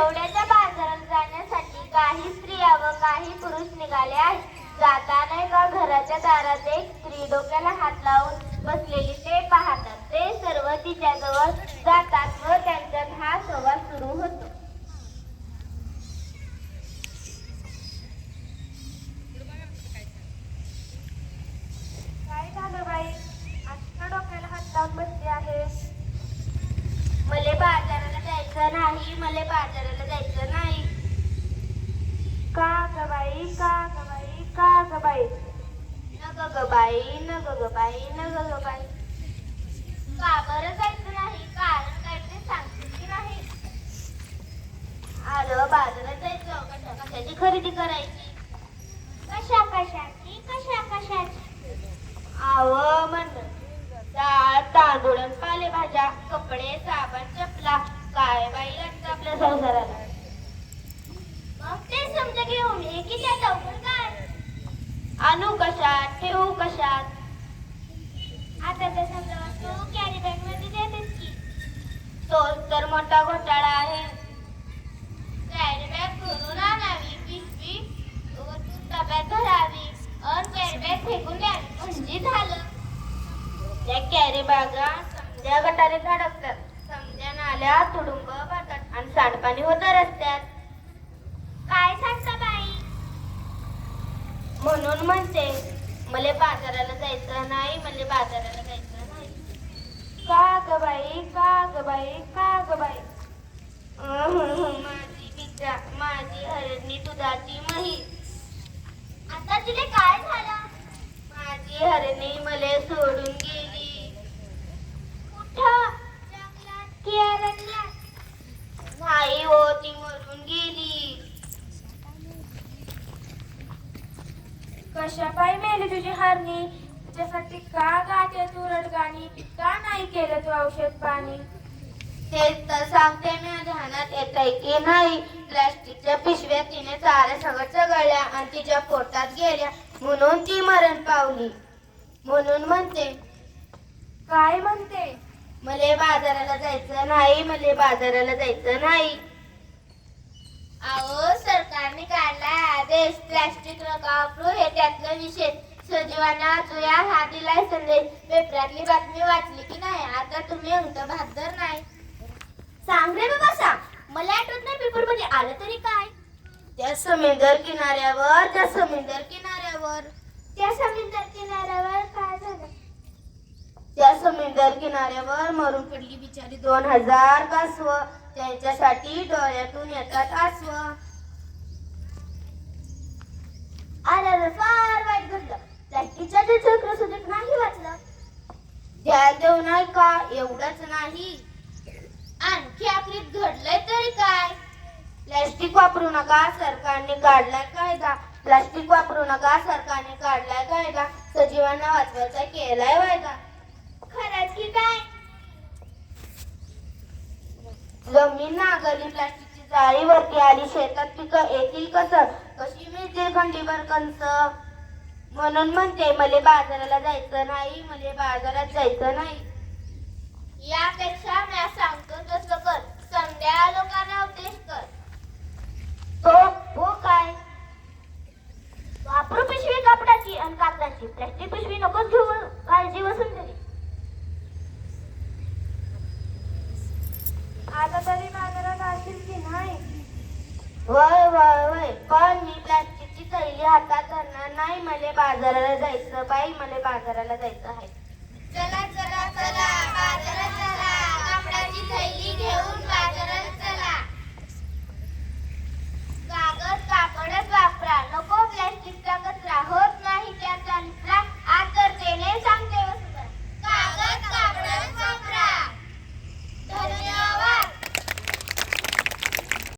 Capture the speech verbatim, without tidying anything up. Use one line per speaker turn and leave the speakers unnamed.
आठवड्याच्या बाजारात जाण्यासाठी काही स्त्रिया व काही पुरुष निघाले आहेत. जाताना एका घराच्या दारात एक स्त्री डोक्याला हात लावून बसलेली ते पाहतात. ते सर्व तिच्याजवळ जातात व त्यांच्यात हा संवाद सुरू होतो.
काय झालं बाई, आजच्या डोक्याला हात लावून बसली आहे?
मले बाजाराला जायचं नाही, मले बाजाराला जायचं नाही.
का ग बाई, का ग बाई, का ग बाई?
न ग ग बाई, न ग ग बाई, न ग ग बाई. का बरं जायचं नाही? कारण काय ते सांगते की नाही? आलं बाजारात जायचं, कशा कशाची खरेदी करायची.
कशा कशाची, कशा कशाची?
आव म्हणलं डाळ तांदूळ आणि पालेभाज्या, कपडे साबण चपला, काय बाई लागतं आपल्या संसाराला.
मग ते समजा घेऊन ये की त्या लवकर काय?
आणू कशात, ठेवू कशात?
आता तर समजा तू कॅरी बॅग मध्ये देतेस की.
तोच तर मोठा घोटाळा आहे. कॅरी बॅग भरून आणावी, पिशवी वरतून डब्यात भरावी आणि कॅरी बॅग फेकून द्यावी म्हणजे झालं. त्या कॅरी बॅगा समध्या गटारे धडकतात, समध्या नाल्या तुडुंब भरतात आणि सांडपाणी होतं रस्त्यात.
काय सांगता बाई?
म्हणून म्हणते मले बाजाराला जायचं नाही, मले बाजाराला जायचं नाही.
का ग बाई, का ग बाई, का ग बाई?
माझी बिचा, माझी हरणी दुधाची म्हैस.
आता तिला काय झालं?
माझी हरणी मले सोडून गेली.
कुठं? जंगलात की अरण्यात?
नाही हो, ती मरून गेली.
कशा पायी मेली तुझी हरणी? तुझ्यासाठी का गाते तू रडगाणी? का नाही केलं तू औषध पाणी?
तेच तर सांगते मी, ध्यानात येत आहे की नाही. प्लास्टिकच्या पिशव्या तिने चारा सगळं चघळल्या आणि तिच्या पोटात गेल्या म्हणून ती मरण पावली. म्हणून म्हणते.
काय म्हणते?
मले बाजाराला जायचं नाही, मले बाजाराला जायचं नाही. अहो सरकारने काढलाय आदेश, प्लास्टिक नका वापरू, हे त्यातलं निषेध. सजीवांना जुया हा दिलाय संदेश. पेपरातली बातमी वाचली की नाही? आता तुम्ही अंत बहादर नाही.
सांग रे बाबा सांग, मला आठवत नाही पेपर मध्ये आलं तरी काय?
त्या समुद्र किनाऱ्यावर, त्या समुद्र किनाऱ्यावर,
त्या समुद्र किनाऱ्यावर काय झालं?
त्या समुद्र किनाऱ्यावर मरून पडली बिचारी दोन हजार कासव. त्यांच्यासाठी डोळ्यातून येतात आसव.
अरे फार वाईट घडलं. प्लास्टिकच्या चक्र सुद्धा नाही वाचलं.
ध्यान देऊ नाही का? एवढंच नाही, आणखी आखरीत घडलंय तरी काय? प्लास्टिक वापरू नका, सरकारने काढलाय कायदा. प्लास्टिक वापरू नका, सरकारने काढलाय कायदा. सजीवांना वाचवायचा केलाय वायदा.
खरंच की काय?
जमीन नांगरली, प्लास्टिकची जाळी वरती आली, शेतात पिकं येतील कसं? कशी मिळतील खंडीभर कंस? म्हणून म्हणते मले बाजाराला जायचं नाही, मले बाजारात जायचं नाही. यापेक्षा मी सांगतो तसं कर, समध्या लोकांना उपदेश कर.
तो हो काय? वापरू पिशवी कापडाची आणि कागदाची, प्लास्टिक पिशवी नकोच घेऊ, काळजी वसुंधरी. आता तरी बाजारात असेल की नाही?
वय वय वय, पण मी प्लास्टिकची थैली हातात धरणार नाही. मले बाजाराला जायचं बाई, मले बाजाराला जायचं आहे.